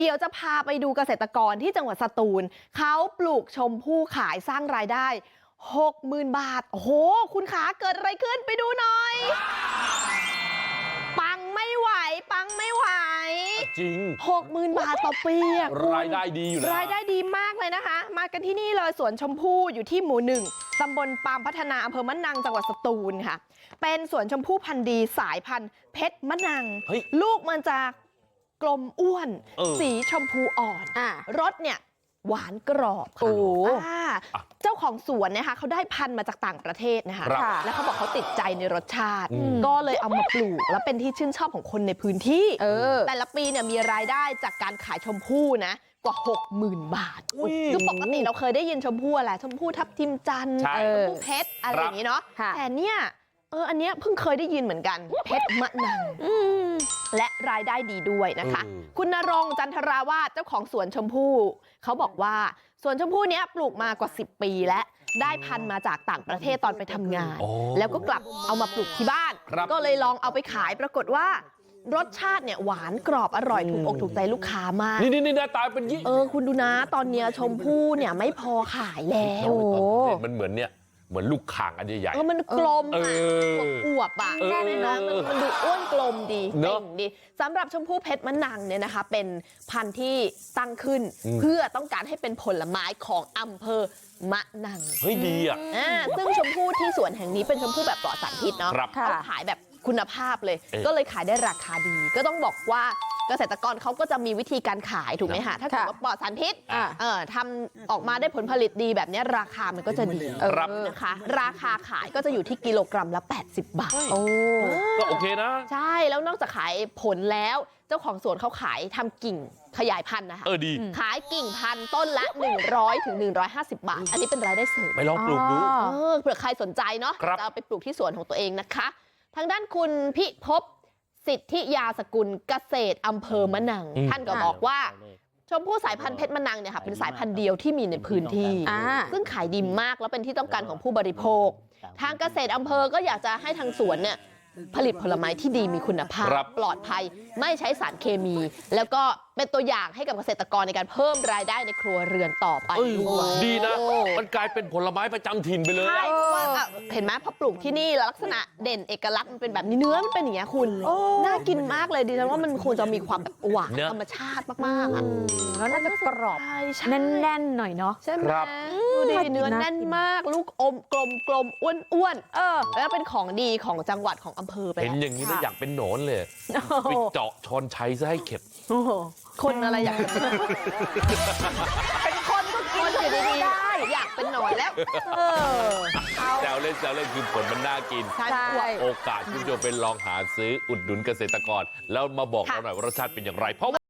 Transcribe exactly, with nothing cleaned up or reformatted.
เดี๋ยวจะพาไปดูเกษตรกรที่จังหวัดสตูลเขาปลูกชมพู่ขายสร้างรายได้ หกหมื่น บาทโอ้โหคุณขาเกิดอะไรขึ้นไปดูหน่อยปังไม่ไหวปังไม่ไหวจริงหกหมื่น บาทต่อปีอะรายได้ดีอยู่นะรายได้ดีมากเลยนะคะมากันที่นี่เลยสวนชมพู่อยู่ที่หมู่หนึ่งตำบลปามพัฒนาอำเภอมะนังจังหวัดสตูลค่ะเป็นสวนชมพู่พันธุ์ดีสายพันธุ์เพชรมะนังลูกมันจะกลมอ้วนสีชมพูอ่อนอ่ารสเนี่ยหวานกรอบค่ะเจ้าของสวนนะคะเขาได้พันธุ์มาจากต่างประเทศนะคะแล้วเขาบอกเขาติดใจในรสชาติก็เลยเอามาปลูกแล้วเป็นที่ชื่นชอบของคนในพื้นที่แต่ละปีเนี่ยมีรายได้จากการขายชมพู่นะกว่า หกหมื่น บาทคือปกติเราเคยได้ยินชมพู่อะไรชมพู่ทับทิมจันทร์ชมพู่เพชรอะไรอย่างนี้เนาะแต่เนี่ยเอออันเนี้ยเพิ่งเคยได้ยินเหมือนกันเพชรมะนังและรายได้ดีด้วยนะคะคุณณรงค์จันทราวาสเจ้าของสวนชมพู่เขาบอกว่าสวนชมพู่เนี้ยปลูกมากว่าสิบปีแล้วได้พันธุ์มาจากต่างประเทศตอนไปทำงานแล้วก็กลับเอามาปลูกที่บ้านก็เลยลองเอาไปขายปรากฏว่ารสชาติเนี่ยหวานกรอบอร่อยถูกอกถูกใจลูกค้ามากนี่นี่หน้าตาเป็นยี่เออคุณดูนะตอนเนี้ยชมพู่เนี่ยไม่พอขายแล้วโอ้มันเหมือนเนี่ยเหมือนลูกข่างอันใหญ่ๆมันกลมอ่ะอวบอ่ะแน่นอนมันดูอ้วนกลมดีเต่งดีสำหรับชมพู่เพชรมะนังเนี่ยนะคะเป็นพันธุ์ที่ตั้งขึ้นเพื่อต้องการให้เป็นผลไม้ของอำเภอมะนังเฮ้ยดีอ่ะซึ่งชมพู่ที่สวนแห่งนี้เป็นชมพู่แบบปลอดสารพิษเนาะเขาขายแบบคุณภาพเลยก็เลยขายได้ราคาดีก็ต้องบอกว่าเกษตรกรเขาก็จะมีวิธีการขายถูกไหมคะถ้าเกิดว่าปลอดสารพิษทำออกมาได้ผลผลิตดีแบบนี้ราคามันก็จะดีนะคะราคาขายก็จะอยู่ที่กิโลกรัมละแปดสิบบาทโอ้ก็โอเคนะใช่แล้วนอกจากขายผลแล้วเจ้าของสวนเขาขายทำกิ่งขยายพันธุ์นะคะเออดีขายกิ่งพันธุ์ต้นละหนึ่งร้อยถึงหนึ่งร้อยห้าสิบบาทอันนี้เป็นรายได้เสริมไปลองปลูกดูเผื่อใครสนใจเนาะจะเอาไปปลูกที่สวนของตัวเองนะคะทางด้านคุณพิภพสิทธิยาสกุลเกษตรอำเภอมะนังท่านก็บอกว่าชมพู่สายพันธุ์เพชรมะนังเนี่ยค่ะเป็นสายพันธุ์เดียวที่มีในพื้นที่ซึ่งขายดีมากแล้วเป็นที่ต้องการของผู้บริโภคทางเกษตรอำเภอก็อยากจะให้ทางสวนเนี่ยผลิตผลไม้ที่ดีมีคุณภาพปลอดภัยไม่ใช้สารเคมีแล้วก็เป็นตัวอย่างให้กับเกษตรกรในการเพิ่มรายได้ในครัวเรือนต่อไปดีนะมันกลายเป็นผลไม้ประจำถิ่นไปเลยใช่เห็นไหมพอปลูกที่นี่แล้วลักษณะเด่นเอกลักษณ์มันเป็นแบบนี้เนื้อมันเป็นอย่างเงี้ยคุณน่ากินมากเลยดิฉันว่ามันควรจะมีความแบบหวานธรรมชาติมากๆแล้วน่าจะกรอบแน่นๆหน่อยเนาะใช่ไหมดูดิเนื้อแน่นมากลูกอมกลมกลมอ้วนๆเออแล้วเป็นของดีของจังหวัดของอำเภอไปเห็นอย่างนี้แล้วอยากเป็นหนอนเลยไปเจาะชอนชัยซะให้เข็ดคนอะไรอยากเป็นคนก็กินอยู่ดีๆได้อยากเป็นหนอนแล้วแซวเล่นแซวเล่นคือผลมันน่ากินโอกาสคุณผู้ชมเป็นลองหาซื้ออุดหนุนเกษตรกรแล้วมาบอกเราหน่อยว่ารสชาติเป็นอย่างไรเพราะ